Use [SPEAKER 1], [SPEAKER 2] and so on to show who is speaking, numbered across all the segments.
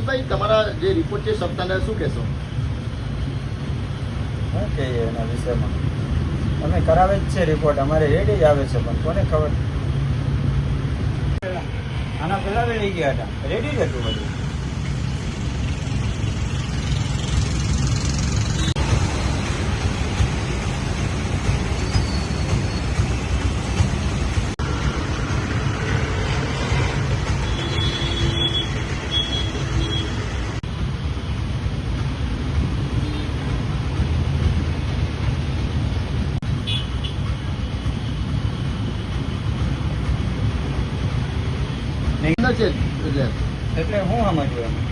[SPEAKER 1] રમેશભાઈ, તમારા જે રિપોર્ટ છે સપ્તાહના શું કહેશો?
[SPEAKER 2] શું કહીએ એના વિષયમાં? અમે કરાવે જ છે રિપોર્ટ, અમારે રેડી જ આવે છે, પણ કોને ખબર. આના પહેલા લઈ ગયા હતા, રેડી જ હતું બધું.
[SPEAKER 1] અંદર છે
[SPEAKER 2] એટલે હું સમજવું એમ?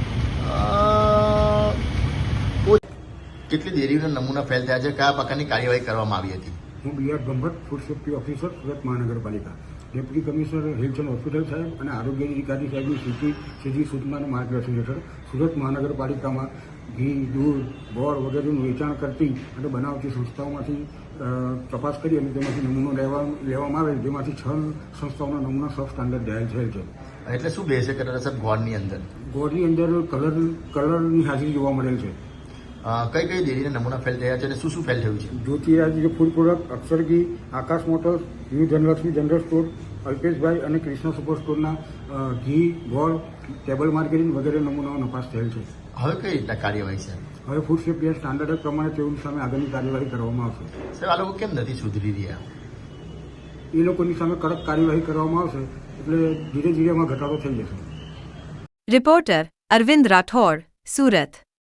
[SPEAKER 1] કેટલી ડેરીના નમૂના ફેલ થયા છે, કયા પ્રકારની કાર્યવાહી કરવામાં આવી હતી?
[SPEAKER 3] હું B R. Brahmbhatt, food safety officer, Surat મહાનગરપાલિકા. Deputy commissioner health and hospital સાહેબ અને આરોગ્ય અધિકારી સાહેબની સીધી સૂચના અને માર્ગદર્શન હેઠળ સુરત મહાનગરપાલિકામાં ઘી, દૂધ, ગોળ વગેરેનું વેચાણ કરતી અને બનાવતી સંસ્થાઓમાંથી તપાસ કરી અને તેમાંથી નમૂનો લેવામાં આવે, જેમાંથી 6 સંસ્થાઓના નમૂના સબ સ્ટાન્ડર્ડ જાહેર થયેલ છે.
[SPEAKER 1] એટલે શું બેસે કરે સાહેબ ગોળની અંદર?
[SPEAKER 3] ગોળની અંદર કલરની હાજરી જોવા મળેલ છે.
[SPEAKER 1] કઈ કઈ ડેરીના નમૂના ફેલ થયા છે અને શું શું ફેલ થયું છે?
[SPEAKER 3] જ્યોતિરાજ food product, Akshar ghee, Akash motors, new Dhanlaxmi general store, અલ્પેશભાઈ અને કૃષ્ણ સુપર સ્ટોરના ઘી, ગોળ, ટેબલ માર્કેટિંગ વગેરે નમૂનાઓ નપાસ થયેલ છે.
[SPEAKER 1] હવે કઈ રીતના કાર્યવાહી છે?
[SPEAKER 3] હવે ફૂડ સેફ્ટી સ્ટાન્ડર્ડ પ્રમાણે તેઓની સામે આગળની કાર્યવાહી કરવામાં આવશે.
[SPEAKER 1] સાહેબ, આ લોકો કેમ નથી સુધરી રહ્યા?
[SPEAKER 3] એ લોકોની સામે કડક કાર્યવાહી કરવામાં આવશે એટલે ધીરે ધીરે એમાં ઘટાડો થઈ જશે.
[SPEAKER 4] રિપોર્ટર અરવિંદ રાઠોડ, સુરત.